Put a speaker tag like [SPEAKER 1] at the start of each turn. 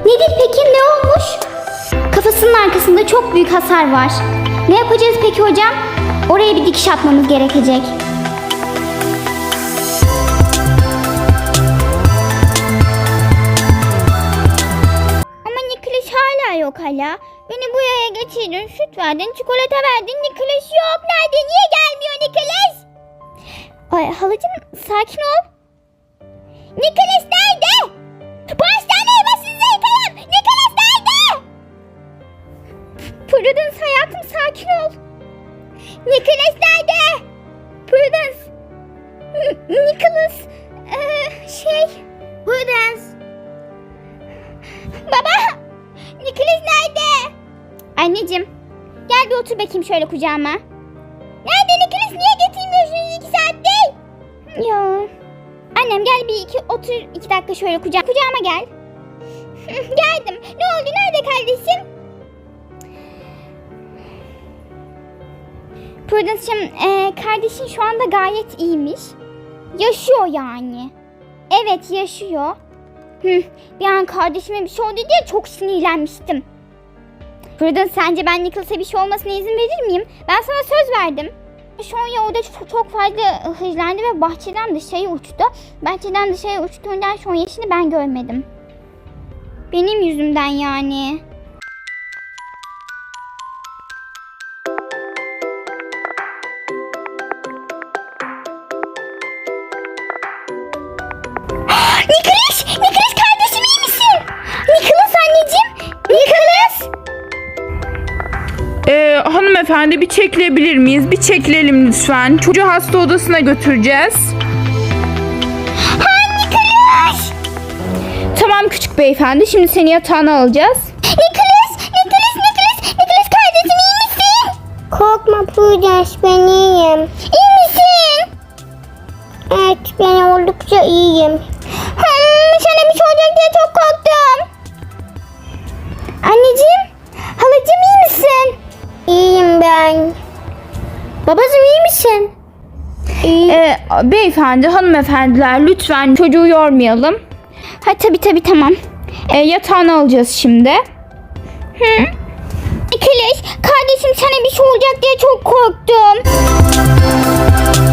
[SPEAKER 1] Nedir peki, ne olmuş? Kafasının arkasında çok büyük hasar var. Ne yapacağız peki hocam? Oraya bir dikiş atmamız gerekecek. Ama Nicholas hala yok hala. Beni buraya getirdin, süt verdin, çikolata verdin. Nicholas yok. Nerede? Niye gelmiyor Nicholas? Ay halacığım sakin ol. Nicholas nerede? Bu hastaneye başınıza yıkayım. Nicholas nerede? Prudence hayatım sakin ol. Nicholas nerede? Prudence. Nicholas. Prudence. Baba. Nicholas nerede? Anneciğim. Gel bir otur bakayım şöyle kucağıma. Nerede Nicholas? Niye getirmiyorsunuz 2 saattir? Ya. Annem gel otur 2 dakika şöyle kucağıma gel. Geldim. Ne oldu? Nerede kardeşim? Prudence'cığım kardeşin şu anda gayet iyiymiş. Yaşıyor yani. Evet yaşıyor. Bir an kardeşime bir şey oldu diye çok sinirlenmiştim. Prudence sence ben Nicholas'a bir şey olmasına izin verir miyim? Ben sana söz verdim. Sonya orada çok fazla hızlandı ve bahçeden dışarı uçtu. Bahçeden dışarı uçtuğundan Sonya'sını ben görmedim. Benim yüzümden yani. Nicholas kardeşim iyi misin? Nicholas anneciğim. Nicholas.
[SPEAKER 2] Hanımefendi bir çekilebilir miyiz? Bir çekilelim lütfen. Çocuğu hasta odasına götüreceğiz.
[SPEAKER 1] Nicholas.
[SPEAKER 2] Tamam küçük beyefendi. Şimdi seni yatağına alacağız.
[SPEAKER 1] Nicholas kardeşim iyi misin?
[SPEAKER 3] Korkma Prudence, ben iyiyim.
[SPEAKER 1] İyi misin?
[SPEAKER 3] Evet, ben oldukça iyiyim.
[SPEAKER 1] Sana bir şey olacak diye çok korktum. Anneciğim, halacığım iyi misin?
[SPEAKER 3] İyiyim ben.
[SPEAKER 1] Babacığım iyi misin?
[SPEAKER 2] Beyefendi, hanımefendiler lütfen çocuğu yormayalım.
[SPEAKER 1] Ha tabii tamam.
[SPEAKER 2] Yatağına alacağız şimdi.
[SPEAKER 1] Nicholas, kardeşim sana bir şey olacak diye çok korktum.